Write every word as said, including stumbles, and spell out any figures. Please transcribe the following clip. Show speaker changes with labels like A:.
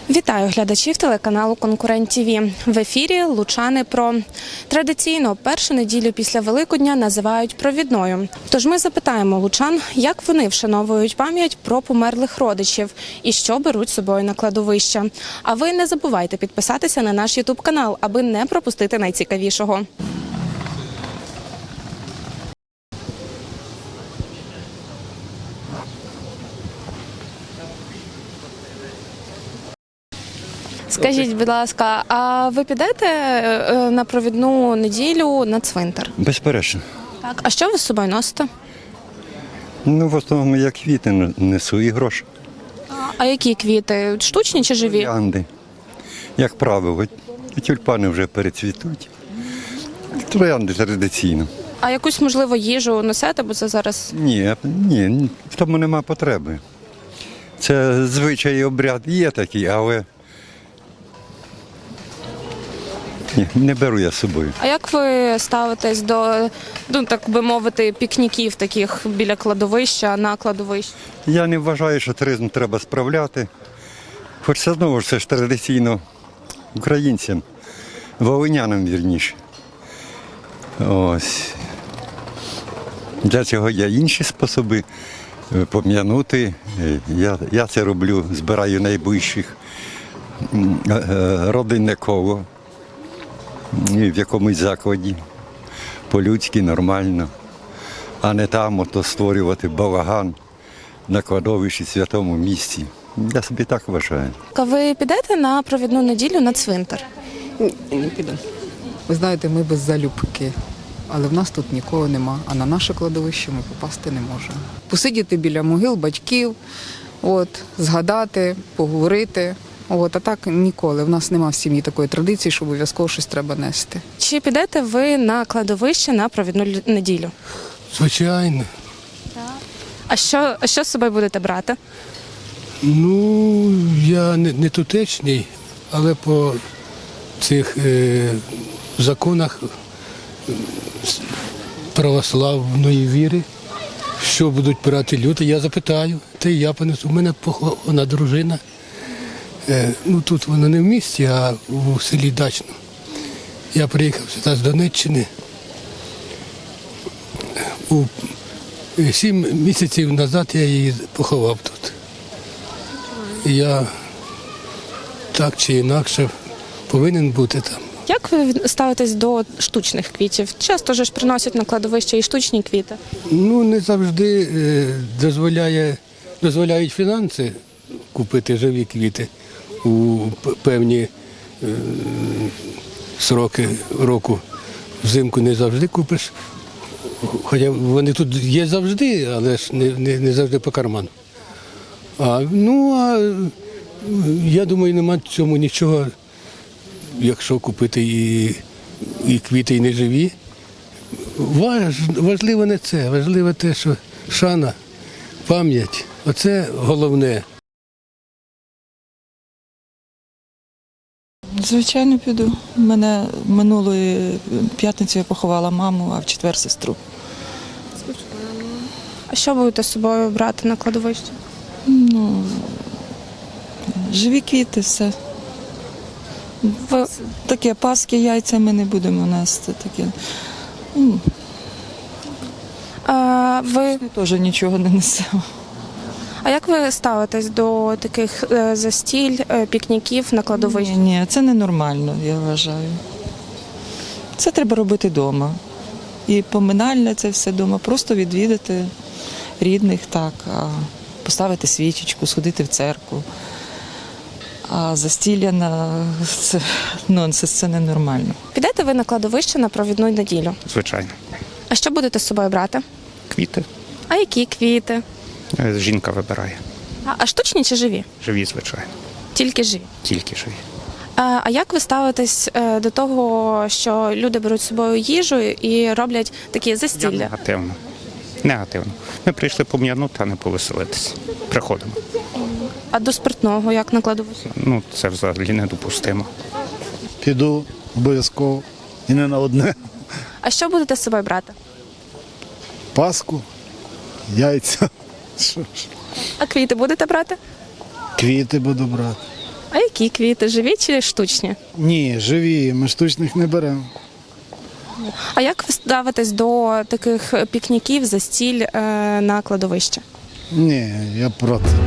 A: Вітаю глядачів телеканалу «Конкурент ТІВІ». В ефірі «Лучани Про». Традиційно першу неділю після Великодня називають провідною. Тож ми запитаємо лучан, як вони вшановують пам'ять про померлих родичів і що беруть з собою на кладовище. А ви не забувайте підписатися на наш ютуб-канал, аби не пропустити найцікавішого. Скажіть, будь ласка, а ви підете на провідну неділю на цвинтар?
B: Безперечно.
A: Так. А що ви з собою носите?
B: Ну, в основному я квіти несу і гроші.
A: А які квіти? Штучні чи живі?
B: Троянди. Як правило, тюльпани вже перецвітуть. Троянди традиційно.
A: А якусь, можливо, їжу несете, бо це зараз...
B: Ні, ні, в тому нема потреби. Це звичай і обряд є такий, але ні, не беру я з собою.
A: А як ви ставитесь до, ну, так би мовити, пікніків таких біля кладовища, на кладовищі?
B: Я не вважаю, що туризм треба справляти. Хоч це знову ж це ж традиційно українцям, волинянам вірніше. Ось. Для цього є інші способи пом'янути. Я, я це роблю, збираю найближчих, родинне коло в якомусь закладі, по-людськи, нормально, а не там ото створювати балаган на кладовищі, святому місці. Я собі так вважаю.
A: А ви підете на провідну неділю на цвинтар?
C: Ні, не піду. Ви знаєте, ми без залюбки, але в нас тут нікого нема, а на наше кладовище ми попасти не можемо. Посидіти біля могил батьків, от, згадати, поговорити. От, а так ніколи. В нас нема в сім'ї такої традиції, що обов'язково щось треба нести.
A: Чи підете ви на кладовище на провідну неділю?
D: Звичайно.
A: А що, а що з собою будете брати?
D: Ну, я не, не тутечний, але по цих е, законах православної віри, що будуть брати люди, я запитаю, та й я понесу. У мене похована дружина. Е, ну, тут вона не в місті, а у селі Дачно. Я приїхав сюди з Донеччини. У сім місяців назад я її поховав тут. І я так чи інакше повинен бути там.
A: Як ви ставитесь до штучних квітів? Часто ж приносять на кладовище і штучні квіти.
D: Ну, не завжди е, дозволяє, дозволяють фінанси купити живі квіти у певні е, сроки року. Взимку не завжди купиш. Хоча вони тут є завжди, але ж не, не, не завжди по карману. А, ну, а я думаю, нема в цьому нічого, якщо купити і, і квіти, і не живі. Важ, важливо не це, важливо те, що шана, пам'ять, оце головне.
E: Звичайно, піду. Мене минулої п'ятниці я поховала маму, а в четвер сестру.
A: А що будете з собою брати на кладовище?
E: Ну, живі квіти, все.
A: Ви...
E: Таке паски, яйця ми не будемо нести. Таке. Ну,
A: А, ви...
E: ми теж нічого не несемо.
A: а як ви ставитесь до таких е, застіль, е, пікніків на кладовищі?
E: Ні, ні, це ненормально, я вважаю. Це треба робити вдома. І поминальне це все вдома. Просто відвідати рідних, так, а поставити свічечку, сходити в церкву. А застілля на це нонсенс, це ненормально.
A: Підете ви на кладовище на провідну неділю?
F: Звичайно.
A: А що будете з собою брати?
F: Квіти.
A: А які квіти?
F: Е, Жінка вибирає.
A: А, а штучні чи живі?
F: Живі, звичайно.
A: Тільки живі.
F: Тільки живі.
A: А, а як ви ставитесь е, до того, що люди беруть з собою їжу і роблять такі
F: Я
A: застілля?
F: негативно. Негативно. Ми прийшли пом'янути, а не повеселитися. Приходимо.
A: А до спиртного як на кладовищі?
F: Ну, це взагалі недопустимо.
G: Піду обов'язково і не на одне.
A: А що будете з собою брати?
G: Паску, яйця,
A: А квіти будете брати?
G: квіти буду брати.
A: А які? Такі квіти живі чи штучні?
G: Ні, живі, ми штучних не беремо.
A: А як ви ставитесь до таких пікніків, застіль е, на кладовищі?
G: Ні, я проти.